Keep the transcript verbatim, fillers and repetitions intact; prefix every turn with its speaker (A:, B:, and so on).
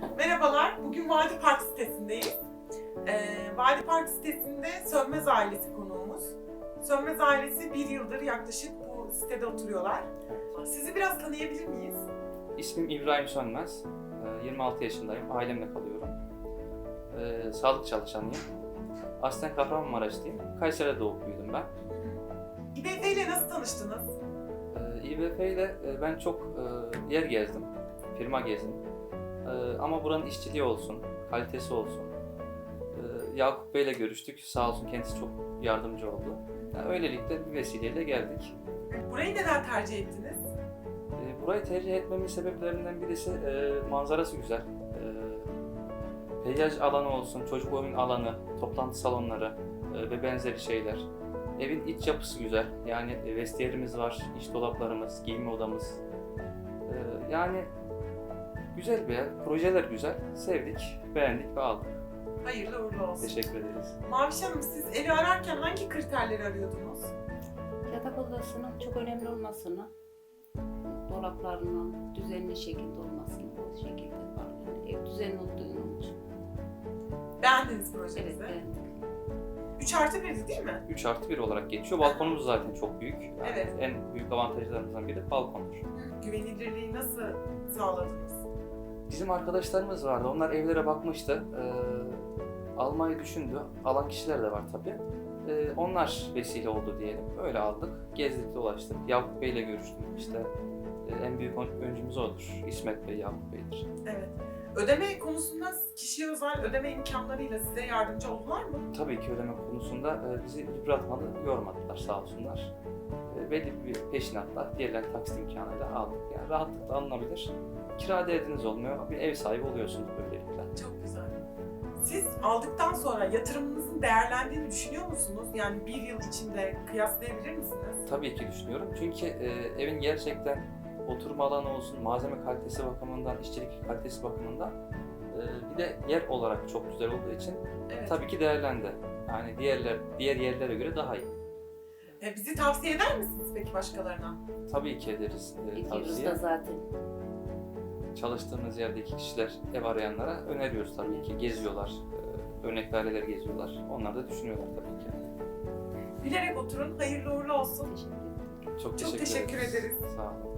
A: Merhabalar, bugün Vadi Park sitesindeyiz. Ee, Vadi Park sitesinde Sönmez ailesi konuğumuz. Sönmez ailesi bir yıldır yaklaşık bu sitede oturuyorlar. Sizi biraz tanıyabilir miyiz?
B: İsmim İbrahim Sönmez. yirmi altı yaşındayım. Ailemle kalıyorum. Ee, sağlık çalışanıyım. Aslen Kahramanmaraşlıyım. Kayseri'de doğup büyüdüm ben.
A: İBF ile nasıl tanıştınız?
B: Ee, İBF ile e, ben çok e, yer gezdim. Firma gezdim. E, ama buranın işçiliği olsun, kalitesi olsun. E, Yakup Bey ile görüştük. Sağ olsun kendisi çok yardımcı oldu. Yani öylelikle bir vesileyle geldik.
A: Burayı neden tercih ettiniz?
B: E, burayı tercih etmemin sebeplerinden birisi e, manzarası güzel. E, peyzaj alanı olsun, çocuk oyun alanı, toplantı salonları e, ve benzeri şeyler. Evin iç yapısı güzel. Yani e, vestiyerimiz var, iç dolaplarımız, giyinme odamız. E, yani güzel bir yer, projeler güzel. Sevdik, beğendik ve aldık.
A: Hayırlı uğurlu olsun.
B: Teşekkür ederiz.
A: Maviş Hanım, siz evi ararken hangi kriterleri arıyordunuz?
C: Yatak odasının çok önemli olmasını, dolaplarının düzenli şekilde olmasını, o şekilde var. Yani ev düzenli olduğunu için.
A: Beğendiniz
C: Evet,
A: projenizi.
C: beğendik.
A: üç artı birdi değil mi?
B: üç artı bir olarak geçiyor. Balkonumuz zaten çok büyük. Yani
A: Evet.
B: En büyük avantajlarımızdan biri balkondur.
A: Güvenilirliği nasıl sağladınız?
B: Bizim arkadaşlarımız vardı. Onlar evlere bakmıştı. Ee, almayı düşündü. Alan kişiler de var tabii. Ee, onlar vesile oldu diyelim. Öyle aldık. Gezdik, dolaştık. Yakup Bey ile görüştüm. İşte e, en büyük öncümüz odur. İsmet Bey, Yakup Bey'dir.
A: Evet. Ödeme konusunda kişiye özel ödeme imkanlarıyla size yardımcı oldular mı?
B: Tabii ki ödeme konusunda e, bizi yıpratmadı, yormadılar sağ olsunlar. E, belli bir peşinatla, diğerler taksit imkanıyla aldık. Yani rahatlıkla alınabilir. Kira derdiniz olmuyor. Bir ev sahibi oluyorsunuz böylelikle.
A: Çok güzel. Siz aldıktan sonra yatırımınızın değerlendiğini düşünüyor musunuz? Yani bir yıl içinde kıyaslayabilir misiniz?
B: Tabii ki düşünüyorum. Çünkü e, evin gerçekten oturma alanı olsun, malzeme kalitesi bakımından, işçilik kalitesi bakımından e, bir de yer olarak çok güzel olduğu için
A: Evet.
B: tabii ki değerlendi. Yani diğerler diğer yerlere göre daha iyi.
A: E, bizi tavsiye eder misiniz peki başkalarına?
B: Tabii ki ederiz e,
C: Gidiyoruz
B: tavsiye.
C: da zaten.
B: Çalıştığımız yerdeki kişiler ev arayanlara öneriyoruz tabii ki. Geziyorlar, e, örnek aileler geziyorlar. Onlar da düşünüyorlar tabii ki.
A: Bilerek oturun, hayırlı uğurlu olsun.
C: Teşekkür ederim.
B: Çok
A: Çok
B: teşekkür,
A: teşekkür ederiz.
B: Sağ olun.